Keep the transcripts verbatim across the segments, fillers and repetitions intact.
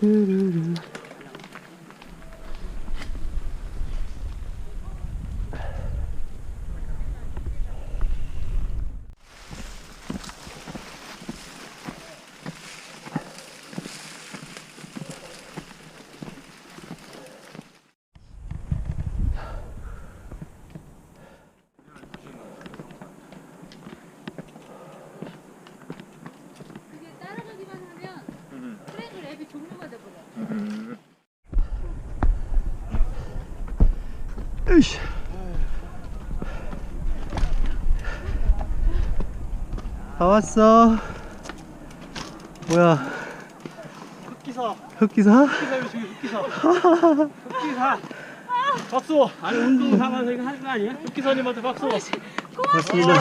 뚜루루. 으이씨. 다 왔어. 뭐야? 흑기사. 흑기사? 흑기사 중에 흑기사. 흑기사. 박수. 아니 운동 삼아서 이거 하는 거 아니야? 흑기사님한테 박수. 고맙습니다.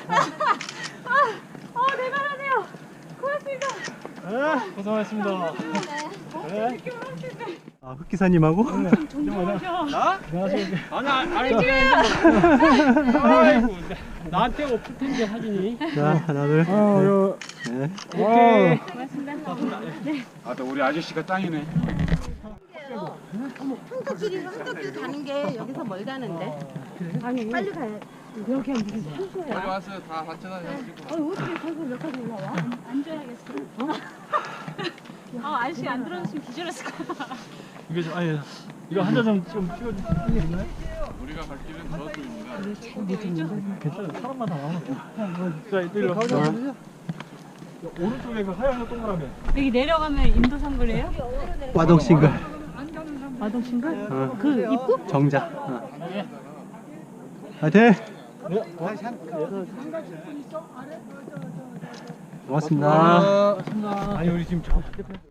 어, 대단하네요. 고맙습니다. 네, 고생하셨습니다. 네. 아, 흑기사님하고? 존경하셔. 나? 아니, 아니, 아니. 아이고, 나한테 없을 텐데 사진이. 자, 하나, 둘. 어, 네. 오케이. 고맙습니다. 네. 아, 또 우리 아저씨가 짱이네. 어머, 한덕길이 한덕길 가는 게 여기서 멀다는데. 아니, 빨리 가야 여기가 무슨 산소야. 빨리 왔어요. 다 같이 다녀가지고. 아니, 어떻게 산소 몇 가지 올라와? 앉아야겠어. 아, 아저씨 안 들어줬으면 기절했을 거야. 이게 좀, 아니, 이거 한 잔 좀 찍어주시겠나요? 우리가 갈 길은 저쪽입니다. 괜찮아요. 사람만 다 많아. 자, 이리로 가보자. 오른쪽에 그 하얀 거 동그라미. 여기 내려가면 인도상거리예요? 와동싱글. 마동신가? 어. 그 입구? 정자. 어. 화이팅! 네. 고맙습니다. 아니, 우리 지금 저